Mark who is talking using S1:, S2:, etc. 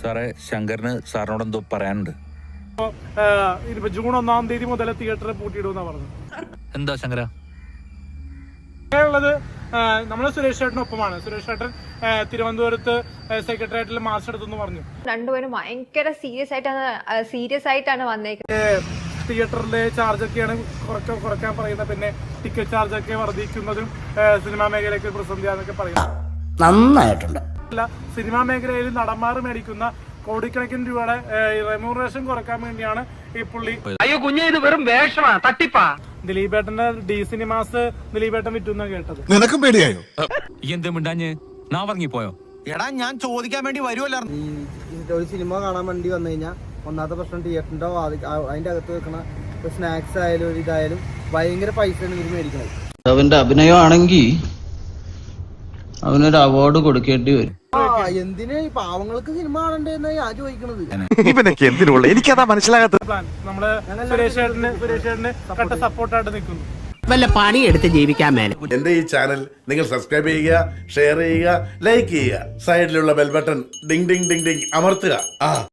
S1: സാറേ, ശങ്കറിന് സാറിനോട് എന്തോ പറയാനുണ്ട്.
S2: ജൂൺ 1-ാം തീയതി മുതൽ തിയേറ്റർ പൂട്ടിയിടുമെന്നാ പറഞ്ഞത്.
S1: എന്താ ശങ്കര
S2: ഉള്ളത്? നമ്മള് സുരേഷ് ചേട്ടനൊപ്പമാണ്. സുരേഷ് ചേട്ടൻ തിരുവനന്തപുരത്ത് സെക്രട്ടേറിയറ്റിൽ മാർച്ച് എടുത്തെന്ന് പറഞ്ഞു.
S3: രണ്ടുപേരും ഭയങ്കര സീരിയസ് ആയിട്ടാണ് വന്നേക്കുന്നത്.
S2: തിയേറ്ററിലെ ചാർജൊക്കെയാണ് കുറയ്ക്കാൻ പറയുന്നത്. പിന്നെ ടിക്കറ്റ് ചാർജൊക്കെ വർദ്ധിക്കുന്നതും സിനിമാ മേഖലയ്ക്ക് പ്രതിസന്ധിയാന്നൊക്കെ പറയുന്നത്.
S4: നന്നായിട്ടുണ്ട്.
S2: അല്ല, സിനിമാ മേഖലയിൽ നടന്മാർ മേടിക്കുന്ന കോടിക്കണക്കിന് രൂപയുടെ റെമ്യൂണറേഷൻ കുറയ്ക്കാൻ വേണ്ടിയാണ് ഈ പുള്ളി.
S5: അയ്യോ കുഞ്ഞെ, ഇത് വെറും വേഷമാ, തട്ടിപ്പാ.
S2: ദിലീപേട്ടന്റെ ഡി സിനിമാസ് ദിലീപേട്ടൻ വിറ്റുന്ന കേട്ടത്.
S6: നിനക്കും പേടിയായോ?
S1: എന്ത് മിണ്ടാഞ്ഞ് നാ പറഞ്ഞിപ്പോയോ?
S4: എടാ, ഞാൻ ചോദിക്കാൻ വേണ്ടി വരുമല്ലോ. ഒരു സിനിമ കാണാൻ വേണ്ടി വന്നു കഴിഞ്ഞാൽ ഒന്നാമത്തെ പ്രശ്നം തിയേറ്ററിന്റെ അതിന്റെ അകത്ത് വെക്കണ സ്നാക്സ് ആയാലും ഒരു ഇതായാലും ഭയങ്കര പൈസയാണ് ഇവര് മേടിക്കണത്.
S7: അവന്റെ അഭിനയമാണെങ്കിൽ അവനൊരു അവാർഡ് കൊടുക്കേണ്ടി വരും.
S4: എന്തിനാ ഈ പാവങ്ങൾക്ക് സിനിമ കാണണ്ടെന്നാ ഞാൻ ചോദിക്കണത്.
S6: ഇവനൊക്കെ എന്തിനുള്ള എനിക്കതാ മനസ്സിലാകാത്തത്.
S2: പ്ലാൻ നമ്മള് സുരേഷ് ചേട്ടന് കട്ട സപ്പോർട്ടായിട്ട് നിൽക്കുന്നു.
S8: വല്ല പണിയെടുത്ത് ജീവിക്കാൻ മേലെ.
S9: എന്റെ ഈ ചാനൽ നിങ്ങൾ സബ്സ്ക്രൈബ് ചെയ്യുക, ഷെയർ ചെയ്യുക, ലൈക്ക് ചെയ്യുക. സൈഡിലുള്ള ബെൽ ബട്ടൺ ഡിങ് ഡിങ് ഡിങ് ഡിങ് അമർത്തുക.